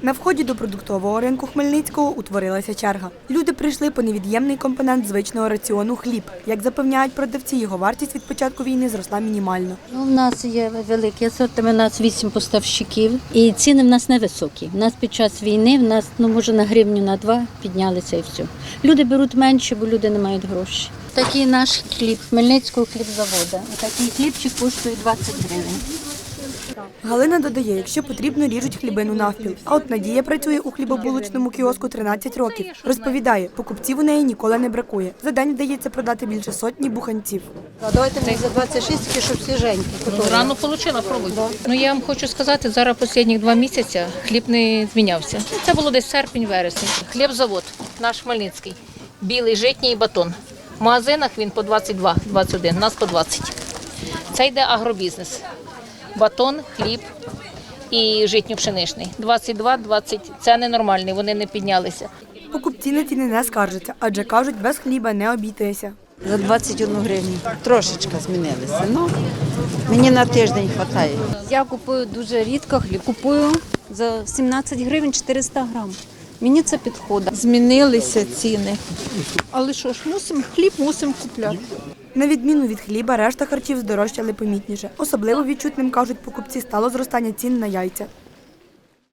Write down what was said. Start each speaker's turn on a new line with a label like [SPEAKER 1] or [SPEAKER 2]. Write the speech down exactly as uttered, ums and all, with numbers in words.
[SPEAKER 1] На вході до продуктового ринку Хмельницького утворилася черга. Люди прийшли по невід'ємний компонент звичного раціону – хліб. Як запевняють продавці, його вартість від початку війни зросла мінімально.
[SPEAKER 2] Ну, у нас є великий асортимент, у нас вісім поставщиків і ціни в нас невисокі. У нас під час війни, в нас, ну, може, на гривню, на два піднялися і все. Люди беруть менше, бо люди не мають грошей. Такий наш хліб, Хмельницького хлібзаводу. Такий хлібчик коштує двадцять гривень.
[SPEAKER 1] Галина додає, якщо потрібно, ріжуть хлібину навпіл. А от Надія працює у хлібобулочному кіоску тринадцять років. Розповідає, покупців у неї ніколи не бракує. За день вдається продати більше сотні буханців.
[SPEAKER 3] Давайте мені за двадцять шість, тільки щоб свіженькі.
[SPEAKER 4] Ну, рано отримала, пробуйте. Ну, я вам хочу сказати, зараз останні два місяці хліб не змінявся. Це було десь серпень-вересень. Хлібзавод, наш Хмельницький, білий, житній і батон. В магазинах він по двадцять два - двадцять один, у нас по двадцять. Це йде агробізнес. Батон, хліб і житньо-пшеничний. двадцять два - двадцять – це ненормальний, вони не піднялися.
[SPEAKER 1] Покупці на ціни не скаржаться, адже кажуть, без хліба не обійтися.
[SPEAKER 3] За двадцять одну гривню. Трошечки змінилися. Ну, мені на тиждень вистачає.
[SPEAKER 5] Я купую дуже рідко хліб. Купую за сімнадцять гривень чотириста грам. Мені це підходить.
[SPEAKER 6] Змінилися ціни. Але що ж, мусимо, хліб мусимо купляти.
[SPEAKER 1] На відміну від хліба, решта харчів здорожчали помітніше. Особливо відчутним, кажуть покупці, стало зростання цін на яйця.